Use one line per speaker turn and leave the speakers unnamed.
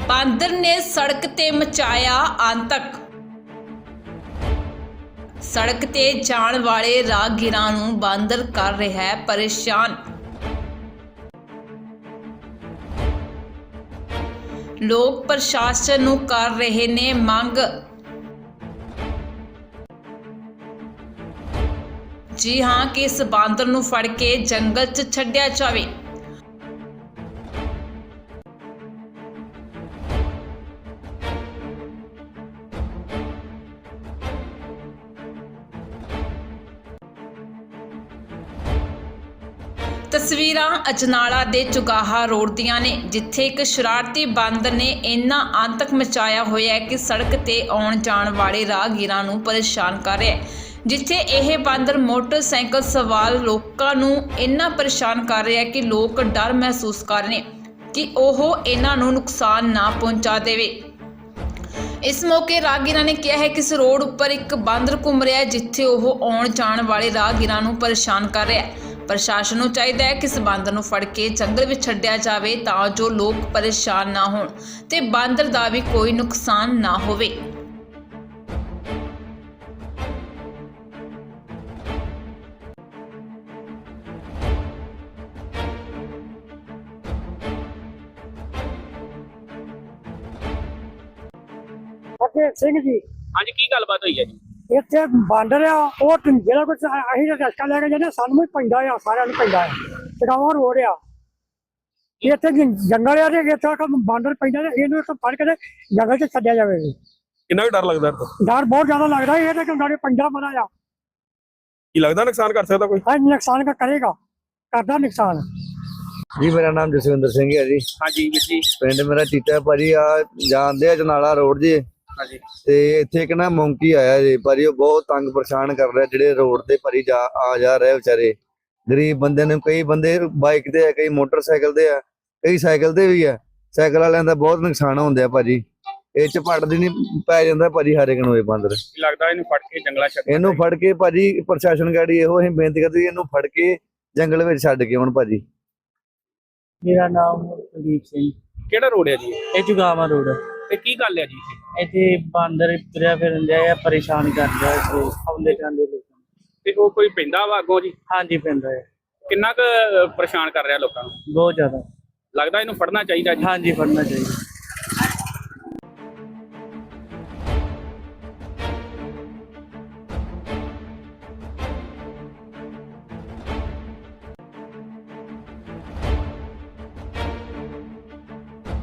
ਬਾਂਦਰ ਨੇ ਸੜਕ ਤੇ ਮਚਾਇਆ ਆਤੰਕ। ਸੜਕ ਤੇ ਜਾਣ ਵਾਲੇ ਰਾਹਗੀਰਾਂ ਨੂੰ ਬਾਂਦਰ ਕਰ ਰਿਹਾ ਹੈ ਪਰੇਸ਼ਾਨ। ਲੋਕ ਪ੍ਰਸ਼ਾਸਨ ਨੂੰ ਕਰ ਰਹੇ ਨੇ ਮੰਗ। ਜੀ ਹਾਂ ਕਿ ਇਸ ਬਾਂਦਰ ਨੂੰ ਫੜ ਕੇ ਜੰਗਲ 'ਚ ਛੱਡਿਆ ਜਾਵੇ। ਤਸਵੀਰਾਂ ਅਜਨਾਲਾ ਦੇ ਚੁਗਾਹਾ ਰੋਡ ਦੀਆਂ ਨੇ, ਜਿੱਥੇ ਇੱਕ ਸ਼ਰਾਰਤੀ ਬਾਂਦਰ ਨੇ ਇੰਨਾ ਆਤੰਕ ਮਚਾਇਆ ਹੋਇਆ ਹੈ ਕਿ ਸੜਕ ਤੇ ਆਉਣ ਜਾਣ ਵਾਲੇ ਰਾਹਗੀਰਾਂ ਨੂੰ ਪਰੇਸ਼ਾਨ ਕਰ ਰਿਹਾ ਹੈ। ਜਿੱਥੇ ਇਹ ਬਾਂਦਰ ਮੋਟਰਸਾਈਕਲ ਸਵਾਰ ਲੋਕਾਂ ਨੂੰ ਇੰਨਾ ਪਰੇਸ਼ਾਨ ਕਰ ਰਿਹਾ ਹੈ ਕਿ ਲੋਕ ਡਰ ਮਹਿਸੂਸ ਕਰ ਰਹੇ ਨੇ ਕਿ ਉਹ ਇਹਨਾਂ ਨੂੰ ਨੁਕਸਾਨ ਨਾ ਪਹੁੰਚਾ ਦੇਵੇ। ਇਸ ਮੌਕੇ ਰਾਹਗੀਰਾਂ ਨੇ ਕਿਹਾ ਹੈ ਕਿ ਇਸ ਰੋਡ ਉੱਪਰ ਇੱਕ ਬਾਂਦਰ ਘੁੰਮ ਰਿਹਾ ਹੈ, ਜਿੱਥੇ ਉਹ ਆਉਣ ਜਾਣ ਵਾਲੇ ਰਾਹਗੀਰਾਂ ਨੂੰ ਪਰੇਸ਼ਾਨ ਕਰ ਰਿਹਾ ਹੈ। ਪ੍ਰਸ਼ਾਸਨ ਨੂੰ ਚਾਹੀਦਾ ਹੈ ਕਿ ਇਸ ਬਾਂਦਰ ਨੂੰ ਫੜ ਕੇ ਜੰਗਲ ਵਿੱਚ ਛੱਡਿਆ ਜਾਵੇ ਤਾਂ ਜੋ ਲੋਕ ਪਰੇਸ਼ਾਨ ਨਾ ਹੋਣ ਤੇ ਬਾਂਦਰ ਦਾ ਵੀ ਕੋਈ ਨੁਕਸਾਨ ਨਾ ਹੋਵੇ।
अजय सिंह जी
ਅੱਜ ਕੀ ਗੱਲਬਾਤ ਹੋਈ ਹੈ ਜੀ?
ਇੱਥੇ ਬਾਂਦਰ ਆ ਉਹ ਜਿਹੜਾ ਕੁਝ ਅਸੀਂ ਤਾਂ ਰਸਤਾ ਲੈ ਕੇ ਜਾਂਦੇ ਸਾਨੂੰ ਵੀ ਪੈਂਦਾ ਆ, ਸਾਰਿਆਂ ਨੂੰ ਪੈਂਦਾ ਆ। ਚੜਾਵਾ ਰੋਡ ਆ ਇੱਥੇ ਜੰਗਲ ਆ ਤੇ ਇੱਥੇ ਬਾਂਦਰ ਪੈਂਦਾ ਤੇ ਇਹਨੂੰ ਇੱਕ ਫੜ ਕੇ ਤੇ ਜੰਗਲ 'ਚ ਛੱਡਿਆ ਜਾਵੇ।
ਕਿੰਨਾ ਕੁ ਡਰ ਲੱਗਦਾ ਇਹਦਾ?
ਡਰ ਬਹੁਤ ਜ਼ਿਆਦਾ ਲੱਗਦਾ ਇਹ ਤਾਂ ਕਿਉਂਕਿ ਪੈਂਦਾ ਬੜਾ ਆ।
ਕੀ ਲੱਗਦਾ ਨੁਕਸਾਨ ਕਰ ਸਕਦਾ ਕੋਈ?
ਹਾਂ ਨੁਕਸਾਨ ਕਰੇਗਾ, ਕਰਦਾ ਨੁਕਸਾਨ।
ਜੀ ਮੇਰਾ ਨਾਮ ਜਸਵਿੰਦਰ ਸਿੰਘ ਹੈ ਜੀ।
ਹਾਂਜੀ ਵੀਰ ਜੀ।
ਪਿੰਡ ਮੇਰਾ ਟੀਟਾ ਭਾਜੀ ਆ ਜਾਂਦੇ ਆ ਜਨਾਲਾ ਰੋਡ ਜੀ।
ਹਾਂਜੀ।
ਤੇ ਇੱਥੇ ਇੱਕ ਨਾ ਮੌਂਕੀ ਆਇਆ ਜੀ ਭਾਜੀ, ਉਹ ਬਹੁਤ ਤੰਗ ਪਰੇਸ਼ਾਨ ਕਰ ਰਿਹਾ ਜਿਹੜੇ ਰੋਡ ਤੇ ਭਾਜੀ ਆ ਜਾ ਰਹੇ ਵਿਚਾਰੇ ਗਰੀਬ ਬੰਦੇ ਨੇ। ਕਈ ਬੰਦੇ ਬਾਈਕ ਤੇ ਆ, ਕਈ ਮੋਟਰਸਾਈਕਲ ਤੇ ਆ, ਕਈ ਸਾਈਕਲ ਤੇ ਵੀ ਆ। ਸਾਈਕਲ ਵਾਲਿਆਂ ਦਾ ਬਹੁਤ ਨੁਕਸਾਨ ਹੁੰਦਾ ਆ ਭਾਜੀ। ਇਹ ਝਪੜ ਦੀ ਨਹੀਂ ਪੈ ਜਾਂਦਾ ਭਾਜੀ ਹਰ ਇੱਕ ਨੂੰ ਇਹ ਬਾਂਦਰ।
ਕੀ ਲੱਗਦਾ ਇਹਨੂੰ ਫੜ ਕੇ ਜੰਗਲਾਂ ਛੱਡ?
ਇਹਨੂੰ ਫੜ ਕੇ ਭਾਜੀ ਪ੍ਰਸ਼ਾਸਨ ਗਾੜੀ ਇਹੋ ਅਸੀਂ ਬੇਨਤੀ ਕਰਦੇ ਇਹਨੂੰ ਫੜ ਕੇ ਜੰਗਲ ਵਿੱਚ ਛੱਡ ਕੇ ਆਉਣ ਭਾਜੀ।
मेरा नाम कुलदीप सिंह।
ਕਿਹੜਾ ਰੋਡ ਹੈ ਜੀ?
ਇਹ ਚੁਗਾਵਾ ਰੋਡ।
ਤੇ ਕੀ ਗੱਲ ਹੈ ਜੀ
ਇੱਥੇ ਬਾਂਦਰ ਤੁਰਿਆ ਫਿਰਨ ਡਿਆ ਆ, ਪਰੇਸ਼ਾਨ ਕਰ ਰਿਹਾ ਇੱਥੇ ਆਉਂਦੇ ਜਾਂਦੇ ਲੋਕਾਂ ਨੂੰ।
ਤੇ ਉਹ ਕੋਈ ਪੈਂਦਾ ਵਾ ਅੱਗੋਂ ਜੀ?
ਹਾਂਜੀ ਪੈਂਦਾ ਹੈ,
ਕਿੰਨਾ ਕੁ ਪਰੇਸ਼ਾਨ ਕਰ ਰਿਹਾ ਲੋਕਾਂ ਨੂੰ?
ਬਹੁਤ ਜ਼ਿਆਦਾ।
ਲੱਗਦਾ ਇਹਨੂੰ ਫੜਨਾ ਚਾਹੀਦਾ ਜੀ।
ਹਾਂਜੀ ਫੜਨਾ ਚਾਹੀਦਾ।